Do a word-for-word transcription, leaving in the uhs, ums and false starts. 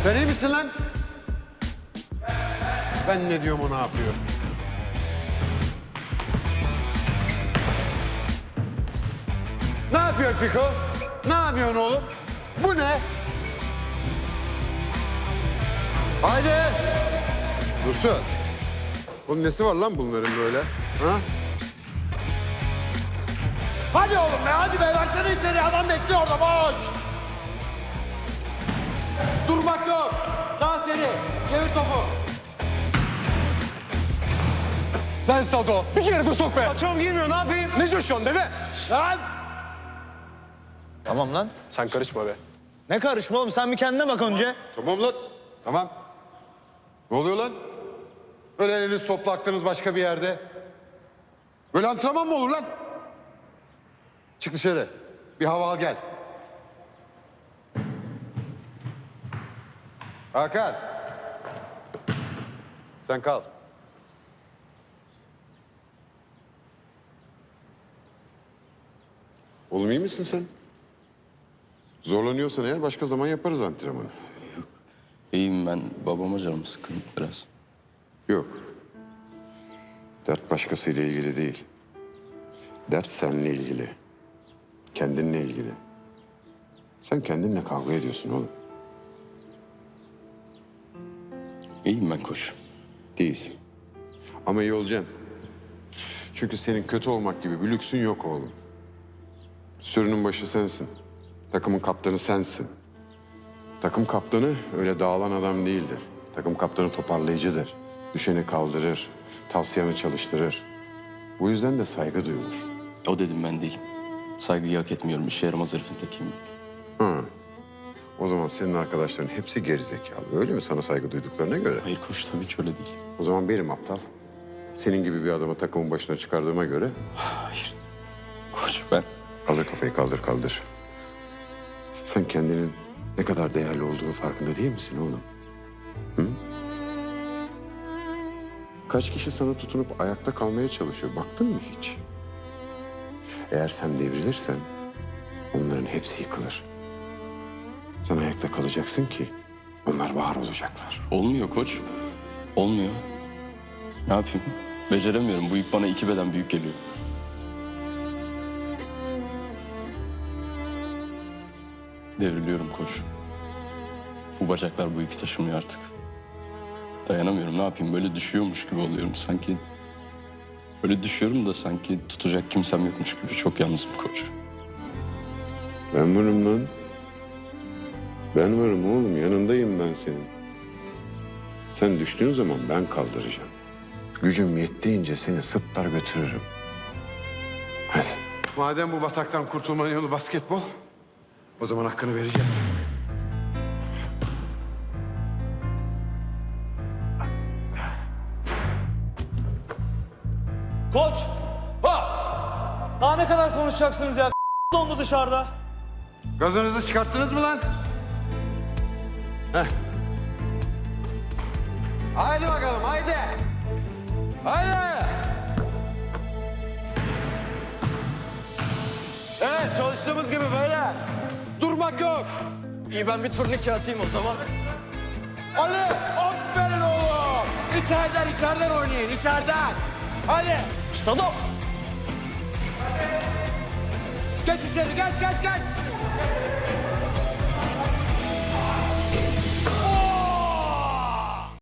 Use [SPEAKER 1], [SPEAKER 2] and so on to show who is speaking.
[SPEAKER 1] Sen iyi misin lan? Ben ne diyorum o ne yapıyor? Ne yapıyorsun Fiko? Ne yapıyorsun oğlum? Bu ne? Haydi! Dursun. Bunun nesi var lan bunların böyle? Ha?
[SPEAKER 2] Hadi oğlum be, hadi be. Versene içeri, adam bekliyor orada, boş. Durmak yok. Daha seri. Çevir topu.
[SPEAKER 3] Lan Sado, bir kere de sok be. Açığım giymiyor, ne yapayım? Ne coşuyorsun deve?
[SPEAKER 2] Lan!
[SPEAKER 4] Tamam lan.
[SPEAKER 3] Sen karışma be.
[SPEAKER 4] Ne karışma oğlum, sen bir kendine bak önce.
[SPEAKER 1] Tamam lan. Tamam. Ne oluyor lan? Böyle eliniz topla aklınız başka bir yerde. Böyle antrenman mı olur lan? Çık dışarı. Bir hava al gel. Hakan. Sen kal. Oğlum iyi misin sen? Zorlanıyorsan eğer başka zaman yaparız antrenmanı.
[SPEAKER 5] İyiyim ben. Babama canım sıkkın biraz.
[SPEAKER 1] Yok. Dert başkasıyla ilgili değil. Dert seninle ilgili. Kendinle ilgili. Sen kendinle kavga ediyorsun oğlum.
[SPEAKER 5] İyiyim ben koç.
[SPEAKER 1] Değilsin. Ama iyi olacaksın. Çünkü senin kötü olmak gibi bir lüksün yok oğlum. Sürünün başı sensin. Takımın kaptanı sensin. Takım kaptanı öyle dağılan adam değildir. Takım kaptanı toparlayıcıdır. Düşeni kaldırır, tavsiyeni çalıştırır. Bu yüzden de saygı duyulur.
[SPEAKER 5] O dedim ben değilim. Saygıyı hak etmiyorum. İşe yaramaz herifin tekiyim.
[SPEAKER 1] Ha. O zaman senin arkadaşların hepsi gerizekalı. Öyle mi sana saygı duyduklarına göre?
[SPEAKER 5] Hayır koç, tabii ki öyle değil.
[SPEAKER 1] O zaman benim aptal. Senin gibi bir adamı takımın başına çıkardığıma göre...
[SPEAKER 5] Hayır. Koç ben...
[SPEAKER 1] Kaldır kafayı, kaldır kaldır. Sen kendinin ne kadar değerli olduğunu farkında değil misin oğlum? Hı? Kaç kişi sana tutunup ayakta kalmaya çalışıyor, baktın mı hiç? Eğer sen devrilirsen onların hepsi yıkılır. Sen ayakta kalacaksın ki onlar var olacaklar.
[SPEAKER 5] Olmuyor koç. Olmuyor. Ne yapayım? Beceremiyorum. Bu yük bana iki beden büyük geliyor. Devriliyorum koç. Bu bacaklar bu yükü taşımıyor artık. Dayanamıyorum. Ne yapayım? Böyle düşüyormuş gibi oluyorum. Sanki... Böyle düşüyorum da sanki tutacak kimsem yokmuş gibi. Çok yalnızım koç.
[SPEAKER 1] Ben varım lan. Ben varım oğlum, yanındayım ben senin. Sen düştüğün zaman ben kaldıracağım. Gücüm yettiğince seni sırtlar götürürüm. Hadi. Madem bu bataktan kurtulmanın yolu basketbol, o zaman hakkını vereceğiz.
[SPEAKER 4] Koç! Ha! Daha ne kadar konuşacaksınız ya? Dondu dışarıda.
[SPEAKER 1] Gazınızı çıkarttınız mı lan? Heh. Haydi bakalım, haydi. Haydi. Evet, çalıştığımız gibi böyle. Durmak yok.
[SPEAKER 5] İyi ben bir turnike atayım o zaman.
[SPEAKER 2] Ali, aferin oğlum. İçeriden, içeriden oynayın, içeriden. Hadi.
[SPEAKER 4] Sado!
[SPEAKER 2] Geç içeri, geç, geç, geç.